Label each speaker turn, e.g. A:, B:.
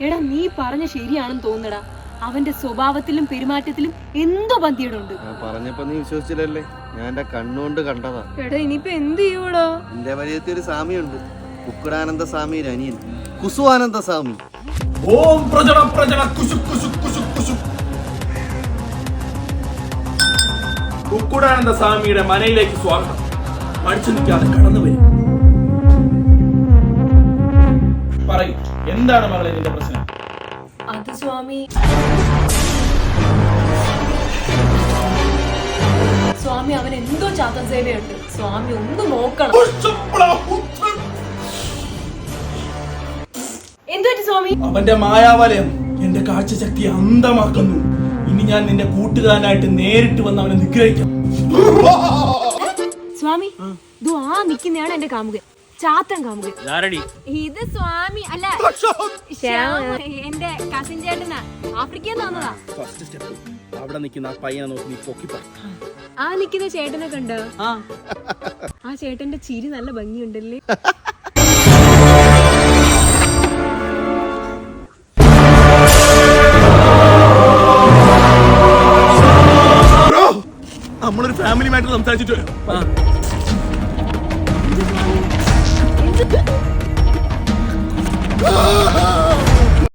A: എടാ നീ പറഞ്ഞ ശരിയാണെന്ന് തോന്നടാ. അവന്റെ സ്വഭാവത്തിലും പെരുമാറ്റത്തിലും എന്തോ പന്തിയുണ്ട്.
B: പറഞ്ഞപ്പോ നീ വിശ്വസിച്ചില്ലല്ലേ? ഞാൻ എന്റെ കണ്ണുകൊണ്ട് കണ്ടതാ.
A: എടാ ഇനിയിപ്പോ എന്ത് ചെയ്യൂടാ?
B: എന്റെ വലിയത്തെ ഒരു സ്വാമിയുണ്ട്, കുക്കുടാനന്ദ സ്വാമി അനിയൻ കുസുവാനന്ദ സ്വാമി.
C: ഓം പ്രജട പ്രജട കുശു കുശു കുശു കുശു. കുക്കുടാനന്ദ സ്വാമിയുടെ മനയിലേക്ക് സ്വാഗതം. മടിച്ചു നിൽക്കാതെ കടന്നു വരും. പറയൂ, എന്താണ് മകളെ നിന്റെ പ്രശ്നം?
A: അത് സ്വാമി, സ്വാമി അവൻ എന്തോ ചാത്തൻ സേവയുണ്ട്. സ്വാമി ഒന്ന് നോക്കണം. എന്തോ സ്വാമി?
C: അവന്റെ മായാവലയം എന്റെ കാഴ്ചശക്തി അന്ധമാക്കുന്നു. ഇനി ഞാൻ നിന്റെ കൂട്ടുകാരനായിട്ട് നേരിട്ട് വന്ന് അവനെ നിഗ്രഹിക്കാം.
A: സ്വാമി, ദോ ആ നിക്കുന്നയാണ് എന്റെ കാമുകൻ, ചാത്തൻ കാമുകൻ. ഇത് സ്വാമി അല്ല, എന്റെ കസിൻ ചേട്ടനാ, ആഫ്രിക്കയിൽ വന്നതാ.
C: ഫസ്റ്റ് സ്റ്റെപ്പ് അവിടെ നിൽക്കുന്ന ആ പയ്യനെ നോക്കി നീ പൊക്കി പറ.
A: ആ നിക്കുന്ന ചേട്ടനെ കണ്ടോ? ആ ചേട്ടന്റെ ചിരി നല്ല ഭംഗിയുണ്ടല്ലേ.
C: നമ്മളൊരു ഫാമിലി മാറ്റർ സംസാരിച്ചിട്ട്
A: എന്ത് സ്വാമി?